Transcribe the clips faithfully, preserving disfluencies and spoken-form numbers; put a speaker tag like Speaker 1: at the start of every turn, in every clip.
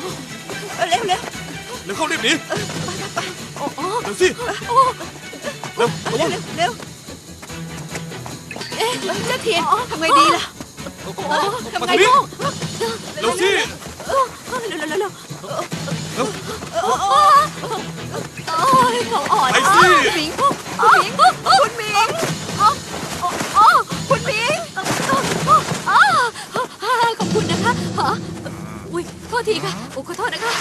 Speaker 1: เร็วเร็ว
Speaker 2: เร็วเข้ารีบหนี
Speaker 1: ไปไปโอ้โอ้
Speaker 2: เร็วสิเร็วระวัง
Speaker 1: เร็วเอ๊ะเจ้าเทียนทำไงดีล่ะทำไงลูก
Speaker 2: เร็วสิ
Speaker 1: เร็วเร็วเร็วเร็ว
Speaker 2: เร็ว
Speaker 1: โอ้ยเขาอ่อน
Speaker 2: ไปสิ
Speaker 1: หมิงคุณหมิงคุณหมิงคุณหมิงขอบคุณนะคะอุ้ยโทษทีค่ะโอ้ขอโทษนะคะ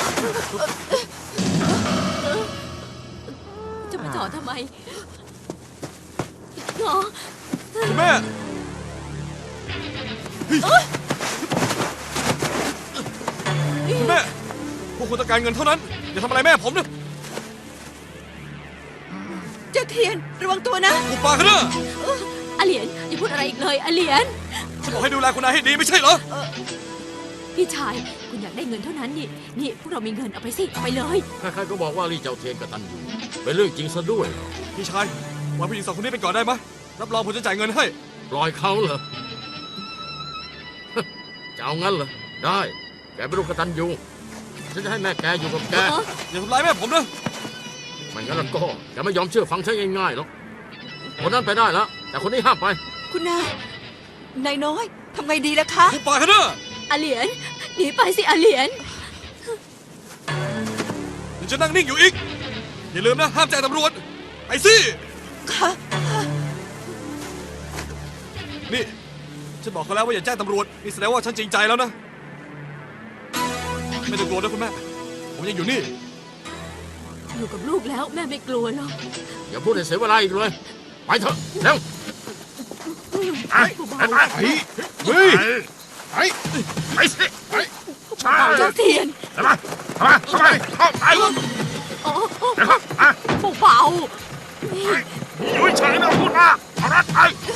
Speaker 1: จะมาจอดทำไมเหรอ
Speaker 2: คุณแม่คุณแม่พวกคุณต้องการเงินเท่านั้นอย่าทำอะไรแม่ผมนะ
Speaker 1: เจ้าเทียนระวังตัวนะ
Speaker 2: กูปากกันนะ
Speaker 1: อาเหลียนอย่าพูดอะไรอีกเลยอาเหลียน
Speaker 2: ฉันบอกให้ดูแลคุณนายให้ดีไม่ใช่เหรอ
Speaker 1: พี่ชายคุณอยากได้เงินเท่านั้นนี่นี่พวกเรามีเงินเอาไปสิเอาไปเลย
Speaker 3: ใครๆก็บอกว่าลี่เจ้าเทียนกตัญญูเป็นเรื่องจริงซะด้วย
Speaker 2: พี่ชายวางผู้หญิงสองคนนี้ไปก่อนได้ไหมรับรองผมจะจ่ายเงินให้
Speaker 3: ปล่อยเขาเหรอจะเอางั้นเหรอได้แกเป็นลูกกตัญญูฉันจะให้แม่แกอยู่กับแก
Speaker 2: อย่าทำร้ายแม่ผมนะ
Speaker 3: ไม่งั้นแล้วก็แกไม่ยอมเชื่อฟังฉันง่ายๆหรอกคนนั้นไปได้แล้วแต่คนนี้ห้ามไป
Speaker 1: คุณนายนายน้อยทำไงดีล่ะคะ
Speaker 2: กูปากกันนะ
Speaker 1: อาเหลียนหนีไปสิอาเหลียน
Speaker 2: ยังจะนั่งนิ่งอยู่อีกอย่าลืมนะห้ามแจ้งตำรวจไปสิ
Speaker 1: ค่ะ
Speaker 2: นี่ฉันบอกเขาแล้วว่าอย่าแจ้งตำรวจนี่แสดงว่าฉันจริงใจแล้วนะไม่ต้องกลัวนะคุณแม่ผมยังอยู่นี่
Speaker 1: อยู่กับลูกแล้วแม่ไม่กลัวหรอก
Speaker 3: อย่าพูดให้เสียเวลาอีกเลยไปเถอะเร็ว
Speaker 4: ไปไปไปเฮ้ยไปไปสิไป
Speaker 1: เจ้าเทียน
Speaker 4: เข้ามาเข้ามาเข้ามาเข้าไป
Speaker 1: โอ้
Speaker 4: เดี๋ยวครับ
Speaker 1: เบา
Speaker 4: อยู่เฉยนะพูดมากเอารัดไป